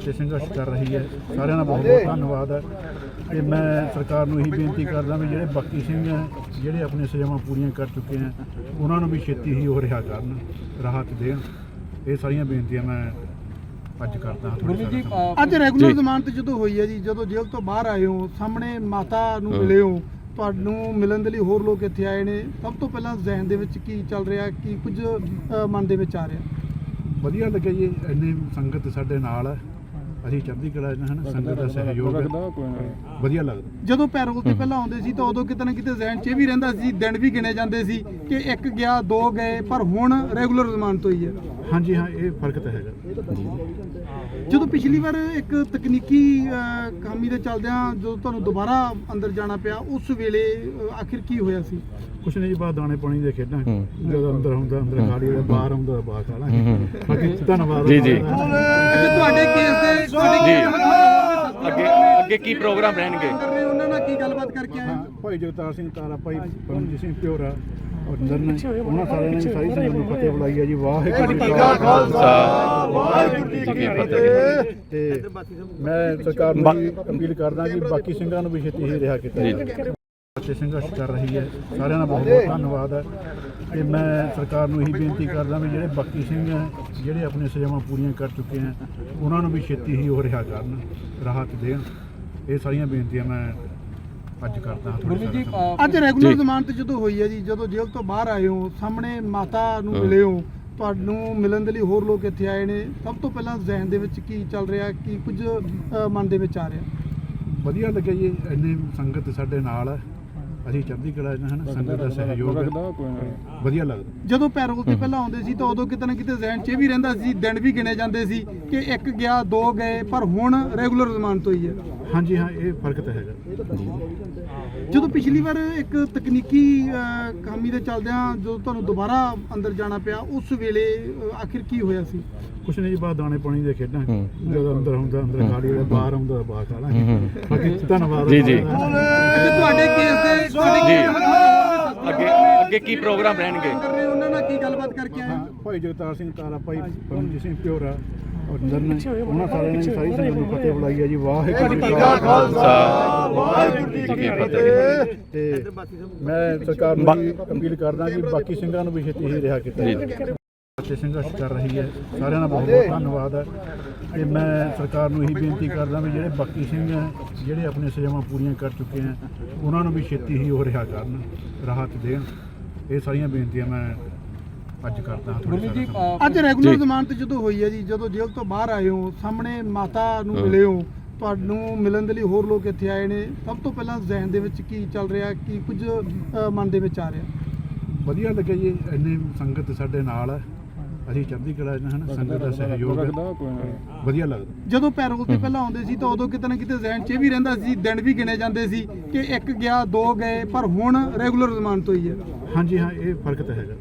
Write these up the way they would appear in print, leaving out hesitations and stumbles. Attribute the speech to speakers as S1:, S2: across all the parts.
S1: ਤੇ ਸੰਘਰਸ਼ ਕਰ ਰਹੀ ਹੈ। ਸਾਰਿਆਂ ਦਾ ਬਹੁਤ ਬਹੁਤ ਧੰਨਵਾਦ ਹੈ। ਤੇ ਮੈਂ ਸਰਕਾਰ ਨੂੰ ਇਹੀ ਬੇਨਤੀ ਕਰਦਾ ਵੀ ਜਿਹੜੇ ਬਾਕੀ ਸਿੰਘ ਹੈ ਜਿਹੜੇ ਆਪਣੀਆਂ ਸਜ਼ਾਵਾਂ ਪੂਰੀਆਂ ਕਰ ਚੁੱਕੇ ਹੈ ਉਹਨਾਂ ਨੂੰ ਵੀ ਛੇਤੀ ਹੀ ਉਹ ਰਿਹਾ ਕਰਨ, ਰਾਹਤ ਦੇਣ। ਇਹ ਸਾਰੀਆਂ ਬੇਨਤੀਆਂ ਮੈਂ ਅੱਜ ਕਰਦਾ ਹਾਂ।
S2: ਗੁਰਮੀਤ ਜੀ, ਅੱਜ ਰੈਗੂਲਰ ਜ਼ਮਾਨਤ ਜਦੋਂ ਹੋਈ ਹੈ ਜੀ, ਜਦੋਂ ਜੇਲ੍ਹ ਤੋਂ ਬਾਹਰ ਆਏ ਹੋ, ਸਾਹਮਣੇ ਮਾਤਾ ਨੂੰ ਮਿਲੇ ਹੋ, ਤੁਹਾਨੂੰ ਮਿਲਣ ਦੇ ਲਈ ਹੋਰ ਲੋਕ ਇੱਥੇ ਆਏ ਨੇ, ਸਭ ਤੋਂ ਪਹਿਲਾਂ ਜ਼ਿਹਨ ਦੇ ਵਿੱਚ ਕੀ ਚੱਲ ਰਿਹਾ, ਕੀ ਕੁਝ ਮਨ ਦੇ ਵਿੱਚ ਆ ਰਿਹਾ?
S1: ਵਧੀਆ ਲੱਗਿਆ ਜੀ, ਇੰਨੀ ਸੰਗਤ ਸਾਡੇ ਨਾਲ ਹੈ, ਅਸੀਂ ਚੜ੍ਹਦੀ ਕਲਾ ਚ ਹਨ, ਸੰਗਤ ਦਾ ਸਹਿਯੋਗ ਹੈ, ਵਧੀਆ ਲੱਗਦਾ।
S2: ਜਦੋਂ ਪੈਰੋਲ ਤੇ ਪਹਿਲਾਂ ਆਉਂਦੇ ਸੀ ਤਾਂ ਉਦੋਂ ਕਿਤੇ ਨਾ ਕਿਤੇ ਜ਼ਿਹਨ 'ਚ ਇਹ ਵੀ ਰਹਿੰਦਾ ਸੀ, ਦਿਨ ਵੀ ਗਿਣੇ ਜਾਂਦੇ ਸੀ ਕਿ ਇੱਕ ਗਿਆ ਦੋ ਗਏ, ਪਰ ਹੁਣ ਰੈਗੂਲਰ ਜ਼ਮਾਨਤ ਹੋਈ ਹੈ।
S1: ਹਾਂਜੀ ਹਾਂ, ਇਹ ਫਰਕ ਤਾਂ ਹੈਗਾ।
S2: ਜਦੋਂ ਪਿਛਲੀ ਵਾਰ ਇੱਕ ਤਕਨੀਕੀ ਖਾਮੀ ਦੇ ਚੱਲਦਿਆਂ ਜਦੋਂ ਤੁਹਾਨੂੰ ਦੁਬਾਰਾ ਅੰਦਰ ਜਾਣਾ ਪਿਆ, ਉਸ ਵੇਲੇ ਆਖਿਰ ਕੀ ਹੋਇਆ ਸੀ?
S1: ਕੁਛ ਨਹੀਂ ਜੀ, ਬਾਹਰ ਦਾਣੇ ਪਾਣੀ ਦੇ ਖੇਡਾਂ, ਜਦੋਂ ਅੰਦਰ ਹੁੰਦਾ ਅੰਦਰ ਖਾ ਲਈ, ਬਾਹਰ ਆਉਂਦਾ ਬਾਹਰ ਖਾ ਲਾਂਗੇ। ਬਾਕੀ ਧੰਨਵਾਦ
S3: ਜੀ ਜੀ।
S2: ਤੁਹਾਡੇ ਕੇਸ ਦੇ
S3: ਅੱਗੇ ਕੀ ਪ੍ਰੋਗਰਾਮ ਰਹਿਣਗੇ?
S2: ਉਹਨਾਂ ਨਾਲ ਕੀ ਗੱਲਬਾਤ ਕਰਕੇ ਆਏ?
S1: ਭਾਈ ਜਗਤਾਰ ਸਿੰਘ ਤਾਰਾ, ਭਾਈ ਪਰਮਜੀਤ ਸਿੰਘ ਪਿਓਰਾ, ਅੰਦਰ ਨੇ, ਉਹਨਾਂ ਸਾਰਿਆਂ ਨੇ ਸਾਰੀ ਸੰਗਤ ਨੂੰ ਫਤਿਹ ਬੁਲਾਈ ਹੈ ਜੀ। ਵਾਹਿਗੁਰੂ ਜੀ ਕਾ ਖਾਲਸਾ, ਵਾਹਿਗੁਰੂ ਜੀ ਕੀ ਫਤਿਹ। ਤੇ ਮੈਂ ਸਰਕਾਰ ਨੂੰ ਅਪੀਲ ਕਰਦਾ ਕਿ ਬਾਕੀ ਸਿੰਘਾਂ ਨੂੰ ਵੀ ਛੇਤੀ ਹੀ ਰਿਹਾ ਕੀਤਾ ਜਾਵੇ। ਤੇ ਸੰਘਰਸ਼ ਕਰ ਰਹੀ ਹੈ। ਸਾਰਿਆਂ ਦਾ ਬਹੁਤ ਬਹੁਤ ਧੰਨਵਾਦ ਹੈ। ਤੇ ਮੈਂ ਸਰਕਾਰ ਨੂੰ ਇਹੀ ਬੇਨਤੀ ਕਰਦਾ ਵੀ ਜਿਹੜੇ ਬਾਕੀ ਸਿੰਘ ਹੈ ਜਿਹੜੇ ਆਪਣੀਆਂ ਸਜ਼ਾਵਾਂ ਪੂਰੀਆਂ ਕਰ ਚੁੱਕੇ ਹੈ ਉਹਨਾਂ ਨੂੰ ਵੀ ਛੇਤੀ ਹੀ ਉਹ ਰਿਹਾ ਕਰਨ, ਰਾਹਤ ਦੇਣ। ਇਹ ਸਾਰੀਆਂ ਬੇਨਤੀਆਂ ਮੈਂ ਅੱਜ ਕਰਦਾ ਹਾਂ।
S2: ਗੁਰਮੀਤ ਜੀ, ਅੱਜ ਰੈਗੂਲਰ ਜ਼ਮਾਨਤ ਜਦੋਂ ਹੋਈ ਹੈ ਜੀ, ਜਦੋਂ ਜੇਲ੍ਹ ਤੋਂ ਬਾਹਰ ਆਏ ਹੋ, ਸਾਹਮਣੇ ਮਾਤਾ ਨੂੰ ਮਿਲੇ ਹੋ, ਤੁਹਾਨੂੰ ਮਿਲਣ ਦੇ ਲਈ ਹੋਰ ਲੋਕ ਇੱਥੇ ਆਏ ਨੇ, ਸਭ ਤੋਂ ਪਹਿਲਾਂ ਜ਼ਿਹਨ ਦੇ ਵਿੱਚ ਕੀ ਚੱਲ ਰਿਹਾ, ਕੀ ਕੁਝ ਮਨ ਦੇ ਵਿੱਚ ਆ ਰਿਹਾ?
S1: ਵਧੀਆ ਲੱਗਿਆ ਜੀ, ਇੰਨੀ ਸੰਗਤ ਸਾਡੇ ਨਾਲ ਹੈ, ਅਸੀਂ ਚੜ੍ਹਦੀ ਕਲਾ ਚ ਹਨ, ਸੰਗਤ ਦਾ ਸਹਿਯੋਗ ਹੈ, ਵਧੀਆ ਲੱਗਦਾ।
S2: ਜਦੋਂ ਪੈਰੋਲ ਤੇ ਪਹਿਲਾਂ ਆਉਂਦੇ ਸੀ ਤਾਂ ਉਦੋਂ ਕਿਤੇ ਨਾ ਕਿਤੇ ਜ਼ਿਹਨ 'ਚ ਇਹ ਵੀ ਰਹਿੰਦਾ ਸੀ, ਦਿਨ ਵੀ ਗਿਣੇ ਜਾਂਦੇ ਸੀ ਕਿ ਇੱਕ ਗਿਆ ਦੋ ਗਏ, ਪਰ ਹੁਣ ਰੈਗੂਲਰ ਜ਼ਮਾਨਤ ਹੋਈ ਹੈ।
S1: ਹਾਂਜੀ ਹਾਂ, ਇਹ ਫਰਕ ਤਾਂ ਹੈਗਾ।
S2: ਜਦੋਂ ਪਿਛਲੀ ਵਾਰ ਇੱਕ ਤਕਨੀਕੀ ਖਾਮੀ ਦੇ ਚੱਲਦਿਆਂ ਜਦੋਂ ਤੁਹਾਨੂੰ ਦੁਬਾਰਾ ਅੰਦਰ ਜਾਣਾ ਪਿਆ, ਉਸ ਵੇਲੇ ਆਖਿਰ ਕੀ ਹੋਇਆ ਸੀ?
S1: ਕੁਛ ਨਹੀਂ ਜੀ, ਬਾਹਰ ਦਾਣੇ ਪਾਣੀ ਦੇ ਖੇਡਾਂ, ਜਦੋਂ ਅੰਦਰ ਹੁੰਦਾ ਅੰਦਰ ਖਾ ਲਈ, ਬਾਹਰ ਆਉਂਦਾ ਬਾਹਰ ਖਾ ਲਾਂਗੇ। ਬਾਕੀ ਧੰਨਵਾਦ
S3: ਜੀ ਜੀ।
S2: ਤੁਹਾਡੇ ਕੇਸ ਦੇ
S3: ਅੱਗੇ ਕੀ ਪ੍ਰੋਗਰਾਮ ਰਹਿਣਗੇ?
S2: ਉਹਨਾਂ ਨਾਲ ਕੀ ਗੱਲਬਾਤ ਕਰਕੇ ਆਏ?
S1: ਭਾਈ ਜਗਤਾਰ ਸਿੰਘ ਤਾਰਾ, ਭਾਈ ਪਰਮਜੀਤ ਸਿੰਘ ਪਿਓਰਾ, ਅੰਦਰ ਨੇ, ਉਹਨਾਂ ਸਾਰਿਆਂ ਨੇ ਸਾਰੀ ਸੰਗਤ ਨੂੰ ਫਤਿਹ ਬੁਲਾਈ ਹੈ ਜੀ। ਵਾਹਿਗੁਰੂ ਜੀ ਕਾ ਖਾਲਸਾ, ਵਾਹਿਗੁਰੂ ਜੀ ਕੀ ਫਤਿਹ। ਤੇ ਮੈਂ ਸਰਕਾਰ ਨੂੰ ਅਪੀਲ ਕਰਦਾ ਕਿ ਬਾਕੀ ਸਿੰਘਾਂ ਨੂੰ ਵੀ ਛੇਤੀ ਹੀ ਰਿਹਾ ਕੀਤਾ ਜਾਵੇ। ਤੇ ਸੰਘਰਸ਼ ਕਰ ਰਹੀ ਹੈ। ਸਾਰਿਆਂ ਦਾ ਬਹੁਤ ਬਹੁਤ ਧੰਨਵਾਦ ਹੈ। ਤੇ ਮੈਂ ਸਰਕਾਰ ਨੂੰ ਇਹੀ ਬੇਨਤੀ ਕਰਦਾ ਵੀ ਜਿਹੜੇ ਬਾਕੀ ਸਿੰਘ ਹੈ ਜਿਹੜੇ ਆਪਣੀਆਂ ਸਜ਼ਾਵਾਂ ਪੂਰੀਆਂ ਕਰ ਚੁੱਕੇ ਹੈ ਉਹਨਾਂ ਨੂੰ ਵੀ ਛੇਤੀ ਹੀ ਉਹ ਰਿਹਾ ਕਰਨ, ਰਾਹਤ ਦੇਣ। ਇਹ ਸਾਰੀਆਂ ਬੇਨਤੀਆਂ ਮੈਂ ਅੱਜ ਕਰਦਾ ਹਾਂ।
S2: ਗੁਰਮੀਤ ਜੀ, ਅੱਜ ਰੈਗੂਲਰ ਜ਼ਮਾਨਤ ਜਦੋਂ ਹੋਈ ਹੈ ਜੀ, ਜਦੋਂ ਜੇਲ੍ਹ ਤੋਂ ਬਾਹਰ ਆਏ ਹੋ, ਸਾਹਮਣੇ ਮਾਤਾ ਨੂੰ ਮਿਲੇ ਹੋ, ਤੁਹਾਨੂੰ ਮਿਲਣ ਦੇ ਲਈ ਹੋਰ ਲੋਕ ਇੱਥੇ ਆਏ ਨੇ, ਸਭ ਤੋਂ ਪਹਿਲਾਂ ਜ਼ਿਹਨ ਦੇ ਵਿੱਚ ਕੀ ਚੱਲ ਰਿਹਾ, ਕੀ ਕੁਝ ਮਨ ਦੇ ਵਿੱਚ ਆ ਰਿਹਾ? ਵਧੀਆ
S1: ਲੱਗਿਆ ਜੀ, ਇੰਨੀ ਸੰਗਤ ਸਾਡੇ ਨਾਲ ਹੈ, ਅਸੀਂ ਚੜ੍ਹਦੀ ਕਲਾ ਚ ਹਨ, ਸੰਗਤ ਦਾ ਸਹਿਯੋਗ ਹੈ, ਵਧੀਆ ਲੱਗਦਾ।
S2: ਜਦੋਂ ਪੈਰੋਲ ਤੇ ਪਹਿਲਾਂ ਆਉਂਦੇ ਸੀ ਤਾਂ ਉਦੋਂ ਕਿਤੇ ਨਾ ਕਿਤੇ ਜ਼ਿਹਨ 'ਚ ਇਹ ਵੀ ਰਹਿੰਦਾ ਸੀ, ਦਿਨ ਵੀ ਗਿਣੇ ਜਾਂਦੇ ਸੀ ਕਿ ਇੱਕ ਗਿਆ ਦੋ ਗਏ, ਪਰ ਹੁਣ ਰੈਗੂਲਰ ਜ਼ਮਾਨਤ ਹੋਈ ਹੈ।
S1: ਹਾਂਜੀ ਹਾਂ, ਇਹ ਫਰਕ ਤਾਂ ਹੈਗਾ।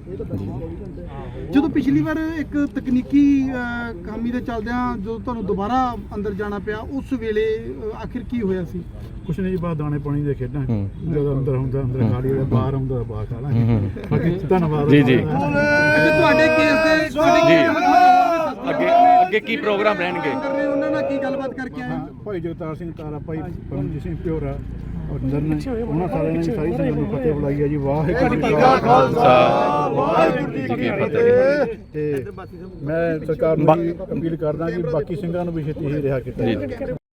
S2: ਜਦੋਂ ਪਿਛਲੀ ਵਾਰ ਇੱਕ ਤਕਨੀਕੀ ਖਾਮੀ ਦੇ ਚੱਲਦਿਆਂ ਜਦੋਂ ਤੁਹਾਨੂੰ ਦੁਬਾਰਾ ਅੰਦਰ ਜਾਣਾ ਪਿਆ, ਉਸ ਵੇਲੇ ਆਖਿਰ ਕੀ ਹੋਇਆ ਸੀ?
S1: ਕੁਛ ਨਹੀਂ ਜੀ, ਬਾਹਰ ਦਾਣੇ ਪਾਣੀ ਦੇ ਖੇਡਾਂ, ਜਦੋਂ ਅੰਦਰ ਹੁੰਦਾ ਅੰਦਰ ਖਾ ਲਈ, ਬਾਹਰ ਆਉਂਦਾ ਬਾਹਰ ਖਾ ਲਾਂਗੇ। ਬਾਕੀ ਧੰਨਵਾਦ। ਜੀ ਜੀ।
S2: ਤੁਹਾਡੇ ਕੇਸ ਦੇ
S3: ਅੱਗੇ ਕੀ ਪ੍ਰੋਗਰਾਮ ਰਹਿਣਗੇ?
S2: ਉਹਨਾਂ ਨਾਲ ਕੀ ਗੱਲਬਾਤ ਕਰਕੇ ਆਏ?
S1: ਭਾਈ ਜਗਤਾਰ ਸਿੰਘ ਤਾਰਾ, ਭਾਈ ਪਰਮਜੀਤ ਸਿੰਘ ਪਿਓਰਾ, ਅੰਦਰ ਨੇ, ਉਹਨਾਂ ਸਾਰਿਆਂ ਨੇ ਸਾਰੀ ਸੰਗਤ ਨੂੰ ਫਤਿਹ ਬੁਲਾਈ ਹੈ ਜੀ। ਵਾਹਿਗੁਰੂ ਜੀ ਕਾ ਖਾਲਸਾ, ਵਾਹਿਗੁਰੂ ਜੀ ਕੀ ਫਤਿਹ। ਤੇ ਮੈਂ ਸਰਕਾਰ ਨੂੰ ਅਪੀਲ ਕਰਦਾ ਕਿ ਬਾਕੀ ਸਿੰਘਾਂ ਨੂੰ ਵੀ ਛੇਤੀ ਹੀ ਰਿਹਾ ਕੀਤਾ ਜਾਵੇ।